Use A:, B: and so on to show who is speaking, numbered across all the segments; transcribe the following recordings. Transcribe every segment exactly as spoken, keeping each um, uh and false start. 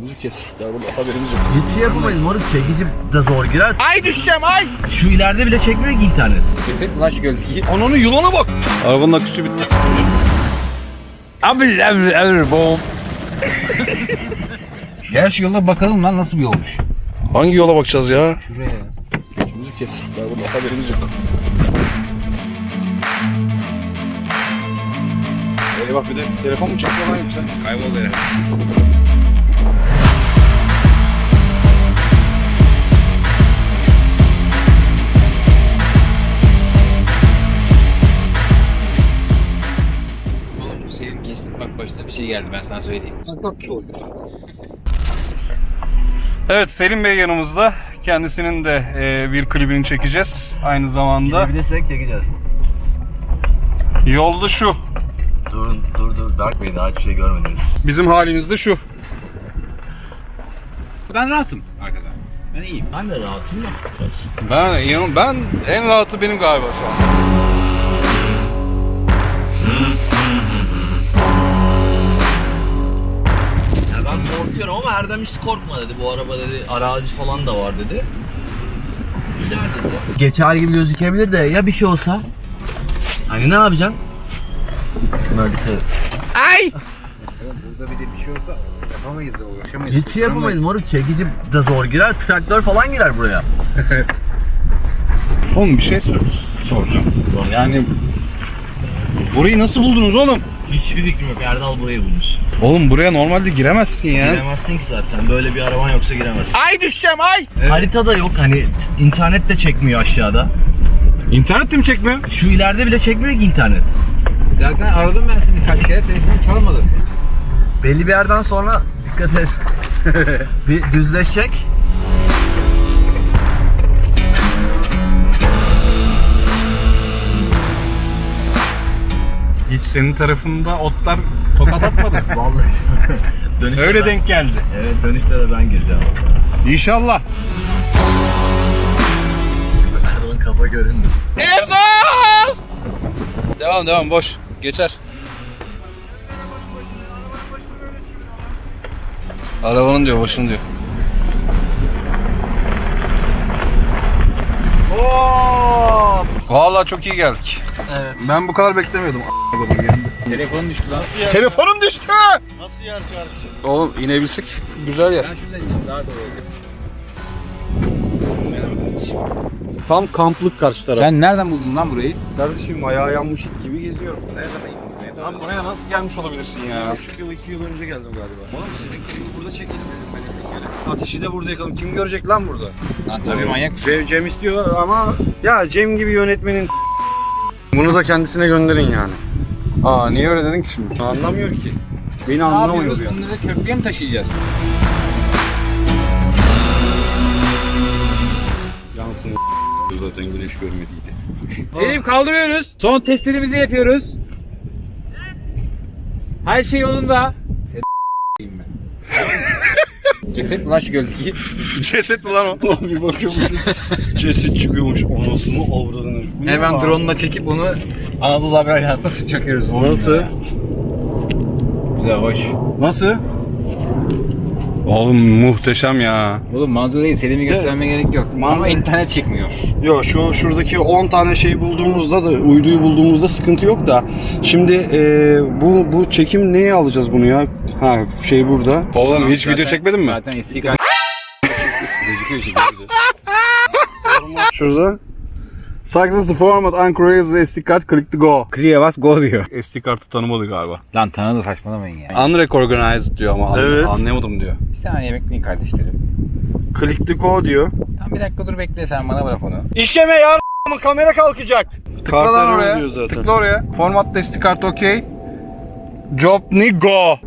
A: Önümüzü kesecekler burada, haberimiz yok.
B: Hiç şey yapamayız moruk, çekici de zor girer.
A: Ay düşeceğim ay!
B: Şu ileride bile çekmiyor ki internet.
C: Kesin lan şu gölgeyi.
A: Ananın yılana bak! Arabanın aküsü bitti.
C: Abi abi abi bom. Gel şu yola bakalım lan nasıl bir yolmuş.
A: Hangi yola bakacağız ya?
C: Şuraya.
A: Önümüzü kesecekler burada, haberimiz yok. Eyvah, bir de telefon mu çakıyor lan yoksa?
C: Kayboldu ya. Oğlum bu senin kesin bak başına bir şey geldi ben sana söyleyeyim.
A: Bak bir şey oluyor. Evet, Selim Bey yanımızda. Kendisinin de e, bir klibini çekeceğiz. Aynı zamanda
B: Gidebilirsek çekeceğiz.
A: yolda şu.
B: Dur dur dur Berk Bey, daha hiçbir şey görmediniz.
A: Bizim halimiz de şu.
C: Ben rahatım arkada. Ben iyiyim.
B: Ben de rahatım da.
A: Ben inan- ben en rahatı benim galiba şu an.
B: Ya ben korkuyorum ama Erdem hiç korkma dedi. Bu araba dedi arazi falan da var dedi. Güzel dedi. Geçer gibi gözükebilir de ya bir şey olsa? Hani ne yapacaksın? Şuna dikkat et.
A: Ay!
C: Burada bir de bir şey olsa yapamayız da uğraşamayız.
B: Hiç şey yapamayız moruk, çekici de zor girer. Traktör falan girer buraya.
A: Oğlum bir şey sor soracağım. Yani burayı nasıl buldunuz oğlum?
B: Hiçbir fikrim yok. Erdal burayı bulmuş.
A: Oğlum buraya normalde giremezsin ya.
B: Giremezsin ki zaten. Böyle bir araban yoksa giremezsin.
A: Ay düşeceğim ay!
B: Harita da yok. Hani t- internet de çekmiyor aşağıda.
A: İnternet de mi çekmiyor?
B: Şu ileride bile çekmiyor ki internet.
C: Zaten aradım ben seni kaç kere telefon çalmadı.
B: Belli bir yerden sonra dikkat et. Bir düzleşecek.
A: Hiç senin tarafında otlar tokat atmadı.
B: Vallahi. Dönüşte
A: Öyle
B: ben-
A: denk geldi.
B: Evet, dönüşte de ben gireceğim.
A: İnşallah.
B: Erdal'ın kafa göründü.
A: Erdal! Devam devam, boş. Geçer. Arabanın diyor, başını diyor.
B: Hop!
A: Vallahi çok iyi geldik.
B: Evet.
A: Ben bu kadar beklemiyordum.
C: Telefonum düştü lan.
A: Telefonum düştü.
B: Nasıl yer çarşı?
A: Oğlum inebilsek güzel yer.
C: Ben şuradan ineyim daha doğru olacak.
D: Tam kamplık karşı taraf.
C: Sen nereden buldun lan burayı?
D: Kardeşim ayağı yanmış it gibi geziyorum.
C: Nereden indin?
A: Lan buraya nasıl gelmiş olabilirsin ya?
D: Bir buçuk yıl, iki yıl önce geldim galiba.
C: Oğlum sizin klibi burada çekelim dedim ben ilk kere.
D: Ateşi de burada yakalım. Kim görecek lan burada?
C: Lan tabii manyak mısın?
D: Cem, Cem istiyor ama ya Cem gibi yönetmenin bunu da kendisine gönderin yani.
A: Aa, niye öyle dedin ki şimdi?
D: Anlamıyor ki. Beni
C: Ne
D: anlamıyor
C: yapıyoruz?
D: yani.
C: Bunları köprüye mi taşıyacağız?
D: Yansın zaten güneş görmediydi.
C: Selim kaldırıyoruz. Son testlerimizi yapıyoruz. Her şey yolunda. ben. Ceset mi lan şu gölgeyi?
A: Ceset mi lan o?
D: Bir bakıyorum ceset çıkıyormuş anasını avradını. Bu ne
C: Hemen
D: lan?
C: drone'la çekip onu Anadolu Haber Ajansı'na çakıyoruz.
D: Nasıl?
C: Güzel, hoş.
D: Nasıl?
A: Oğlum muhteşem ya.
C: Oğlum manzarayı Selim'e göstermeye gerek yok. Ama
D: Manzara-
C: internet çekmiyor.
D: Yo şu şuradaki on tane şey bulduğumuzda da uyduyu bulduğumuzda sıkıntı yok da şimdi e, bu bu çekim neye alacağız bunu ya? Ha şey burada.
A: Oğlum hiç video
C: Zaten-
A: çekmedin mi?
C: Zaten S D kart gözüküyor işte.
D: Şurada.
A: Success the format uncreated the S D card, click to go.
C: Clear bas go diyor.
A: S D kartı tanımadı galiba.
C: Lan tanıdı, saçmalamayın ya.
A: Unrecognized diyor ama anla-
D: Evet.
A: anlayamadım diyor.
C: Bir saniye bekleyin kardeşlerim.
D: Click to go diyor.
C: Tamam bir dakika dur bekle, sen bana bırak onu.
D: İşleme ya ama kamera kalkacak.
A: Tıkla lan oraya.
D: Diyor zaten.
A: Tıkla oraya. Format S D kart okey. Job ni go.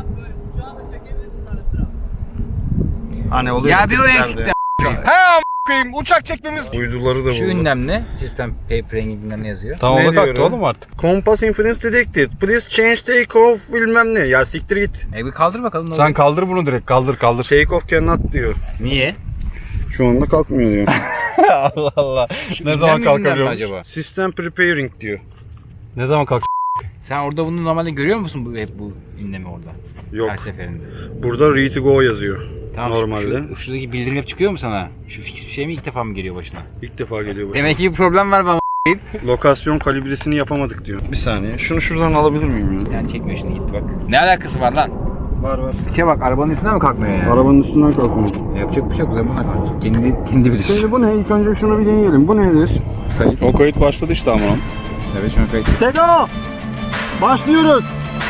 D: Hani oluyor.
C: Ya bir o eksikti.
A: He a**ayım, uçak çekmemiz.
D: Uyduları da
C: Şu
D: burada.
C: ünlem ne? Sistem paper rengi bilmem ne yazıyor.
A: Tamam,
D: Ne
A: o da kalktı
D: diyorum?
A: oğlum artık.
D: Compass inference detected. Please change take off bilmem ne. Ya siktir git.
C: E bir kaldır bakalım ne
A: Sen
C: oluyor.
A: kaldır bunu direkt, kaldır kaldır.
D: Take off cannot diyor.
C: Niye?
D: Şu anda kalkmıyor diyor.
A: Allah Allah. Ne zaman
C: Ünlem yüzünden mi
A: kalkabiliyor
C: acaba?
D: System preparing diyor.
A: Ne zaman kalk?
C: Sen orada bunu normalde görüyor musun bu hep bu ünlemi orada?
D: Yok.
C: Her seferinde.
D: Burada ready to go yazıyor.
C: Tamam,
D: Normalde.
C: Şu, şuradaki bildirim hep çıkıyor mu sana? Şu fix bir şey mi ilk defa mı geliyor başına?
D: İlk defa geliyor başıma.
C: Demek ki bir problem var bana.
D: Lokasyon kalibresini yapamadık diyor. Bir saniye. Şunu şuradan alabilir miyim ya?
C: Yani çekmiyor şimdi gitti bak. Ne alakası var lan?
D: Var var.
C: İçe bak arabanın üstüne mi kalkmıyor yani?
D: Arabanın üstünden kalkmıyor.
C: Yapacak bir şey yok. Buna kalk. Kendi, kendi bilir.
D: Şimdi bu ne? İlk önce şunu bir deneyelim. Bu nedir?
C: Kayıt.
A: O kayıt başladı işte ama.
C: Evet şuna kayıt.
D: Sego! Başlıyoruz.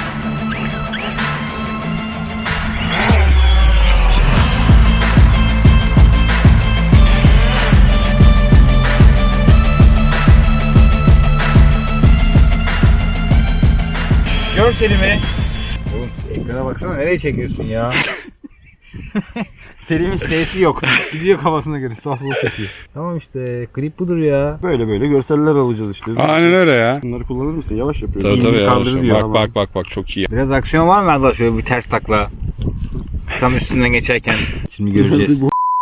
C: Görselimi. Oğlum ekrana baksana nereye çekiyorsun ya? Selim'in sesi yok. Gidiyor kafasına göre sağ sola çekiyor. Tamam işte klip budur ya.
D: Böyle böyle görseller alacağız işte.
A: Aynen öyle ya.
D: Bunları kullanır mısın? Yavaş yapıyorum.
A: Tabii tabii
C: İyi,
A: yavaş.
C: kaldırır diyor
A: Bak
C: ama.
A: bak bak bak çok iyi.
C: Biraz aksiyon var mı Erdal şöyle bir ters takla? Tam üstünden geçerken. Şimdi göreceğiz.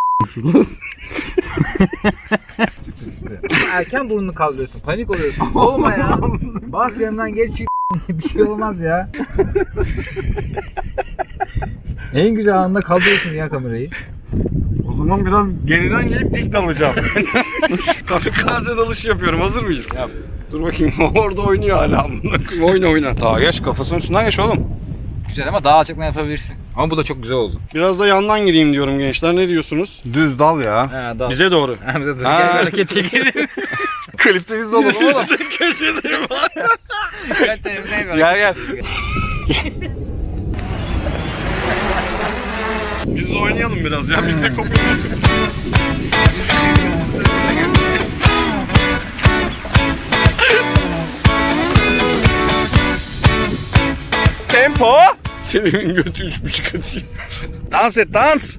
C: Erken burnunu kaldırıyorsun. Panik oluyorsun. Olma ya. Bas yanından geç. Bir şey olmaz ya. En güzel anda kaldırıyorsun ya kamerayı.
D: O zaman biraz geriden gelip dik dalacağım. Kamikaze dalış yapıyorum. Hazır mıyız?
C: Yap.
D: Dur bakayım. Orada oynuyor hala. Oyna oyna.
A: Daha geç kafasının üstünden geç oğlum.
C: Güzel ama daha açıkla yapabilirsin. Ama bu da çok güzel oldu.
D: Biraz da yandan gireyim diyorum gençler. Ne diyorsunuz?
A: Düz dal ya.
C: Ha, daha.
D: Bize doğru.
C: Ha, bize dur.
A: Ha.
C: Gel hareket çekelim.
A: Klipte biz olalım oğlum.
D: Köşedeyim.
C: Gel televizyona
A: Gel gel.
D: Biz de oynayalım biraz ya. Biz de kopuyoruz.
A: Tempo.
D: Selim'in götü üç buçuk atıyor.
A: Dans et dans.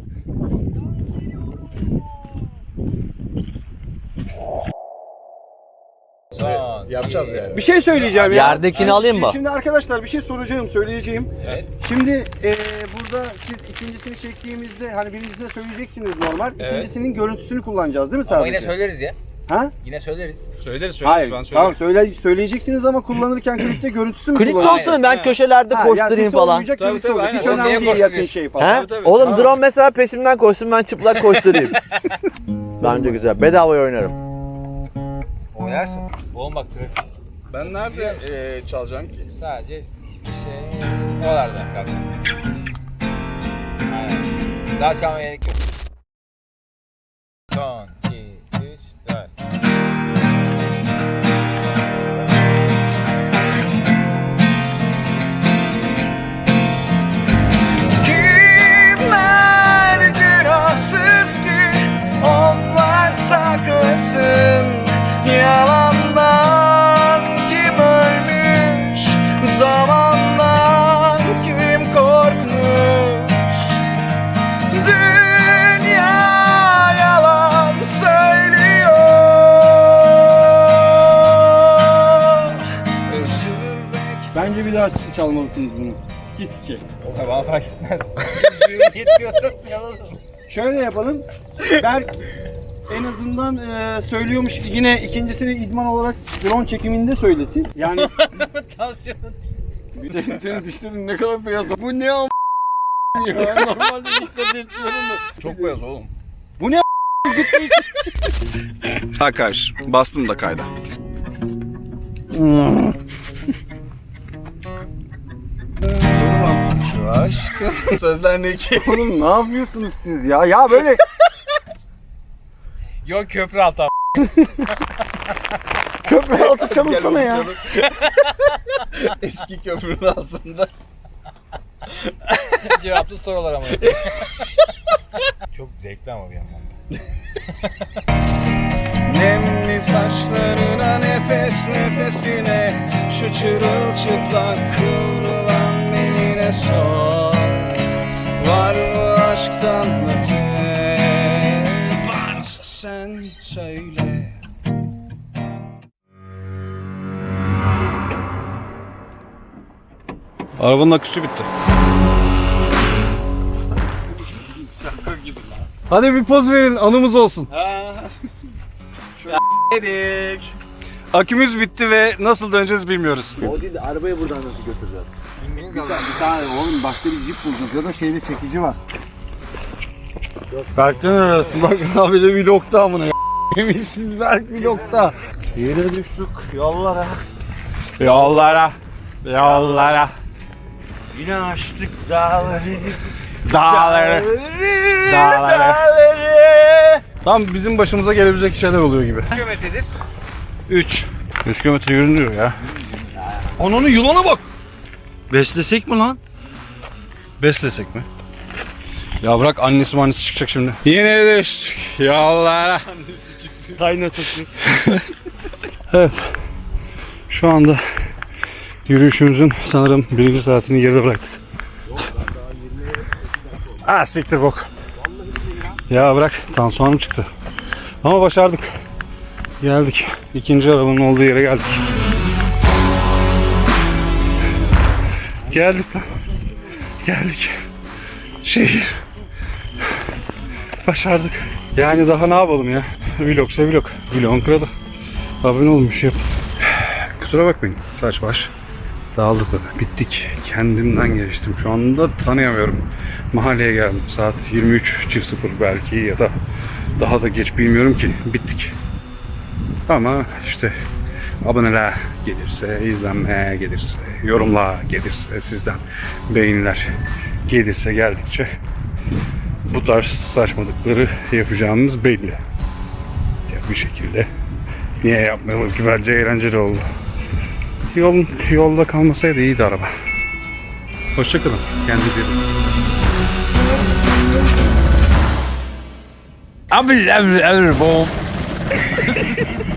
C: Yapacağız yani.
D: Bir şey söyleyeceğim ya.
B: Yerdekini alayım mı?
D: Şimdi arkadaşlar bir şey soracağım, söyleyeceğim.
C: Evet.
D: Şimdi e, burada siz ikincisini çektiğimizde hani birincisine söyleyeceksiniz normal. İkincisinin görüntüsünü kullanacağız değil mi
C: Ama
D: sadece?
C: yine söyleriz ya.
D: Ha?
C: Yine söyleriz.
A: Söyleriz söyleriz
D: Hayır.
A: ben
D: Tamam
A: söylerim.
D: söyle, söyleyeceksiniz ama kullanırken klipte görüntüsü mü
B: Klipte
D: kullanacaksınız?
B: olsun ben köşelerde
D: Ha, yani
B: koşturayım
D: sesi
B: falan.
D: olmayacak,
A: Tabii,
D: klipte
A: tabii,
D: olacak. Hiç
A: aynen.
D: önemli
C: Seseye
D: değil yakın
C: koşturuyorsun.
D: şey falan.
B: He?
A: Tabii, tabii.
B: Oğlum
D: Tamam.
B: drone mesela peşimden koşsun ben çıplak koşturayım. Bence güzel. Bedavaya oynarım.
C: Oynarsın. Oğlum bak trafik.
A: Ben nerede e, çalacağım ki?
C: Sadece hiçbir şey oralarda zaten. Aynen. Daha çalmaya gerek yok. Son, iki, üç, dört.
E: Kimler günahsız ki onlar saklasın yalandan kim ölmüş zamandan kim korkmuş dünya yalan söylüyor üzülmek.
D: Bence bir daha çalmalısınız bunu. Git ki.
C: O bana fark etmez. Yetmiyorsa sinirlenir.
D: Şöyle yapalım. Berk en azından e, söylüyormuş yine ikincisini idman olarak drone çekiminde söylesin. Yani
C: Tansiyon.
D: senin, senin dişlerin ne kadar beyaz. Bu ne a** ya? Normalde dikkat etmiyorum da.
A: Çok beyaz oğlum.
D: Bu ne a**
A: Ha karşı. Bastım da kayda.
E: Şu aşkın sözler ne ki?
D: Oğlum ne yapıyorsunuz siz ya? Ya böyle
C: Yok köprü altı abi.
D: köprü altı çalışsana ya.
E: Eski köprünün altında.
C: Cevapsız sorular ama. Çok zevkli ama bir yandan da.
E: Nemli saçlarına nefes nefesine şu çırılçıplak kıvrılan beline sor. Var mı aşktan öte? Varsa sen söyle.
A: Arabanın aküsü bitti.
D: Hadi bir poz verin anımız olsun.
A: Akümüz bitti ve nasıl döneceğiz bilmiyoruz.
B: O değil de arabayı buradan nasıl götüreceğiz?
D: Bir, bir tane oğlum başka bir jip bulacağız ya da şeyde çekici var. Berk'ten arasın bak abi de vlogta amına ya. Yemişsiz Berk vlogta. Yere düştük yollara.
A: Yollara, yollara,
D: Yine açtık dağları.
A: dağları, dağları.
D: dağları.
A: Tam bizim başımıza gelebilecek şeyler oluyor gibi.
C: Kaç kilometredir?
A: üç. üç kilometre yürünüyor ya.
D: Ananı yılana bak. Beslesek mi lan?
A: Beslesek mi? Ya bırak annesi annesi çıkacak şimdi. Yine düştük yollara.
D: Kaynatası.
A: Evet. Şu anda yürüyüşümüzün sanırım birinci saatini geride bıraktık. Ah siktir bok. Ya bırak tansiyonum çıktı. Ama başardık. Geldik. İkinci arabanın olduğu yere geldik. Geldik lan. Geldik. Şehir. Başardık. Yani daha ne yapalım ya? Vlogsa vlog. Vlog'un kralı. Abone olmuş yap. Kusura bakmayın. Saç baş dağıldı tabii. Bittik. Kendimden geçtim. Şu anda tanıyamıyorum. Mahalleye geldim. Saat yirmi üç çift sıfır belki ya da daha da geç bilmiyorum ki. Bittik. Ama işte aboneler gelirse, izlenmeye gelirse, yorumlar gelirse, sizden beğeniler gelirse geldikçe bu tarz saçmalıkları yapacağımız belli. Ya bir şekilde niye yapmayalım ki, bence eğlenceli oldu. Yol, yolda kalmasaydı iyiydi araba. Hoşçakalın. Kendinize iyi bakın.
C: Abi, abi, abi, bom.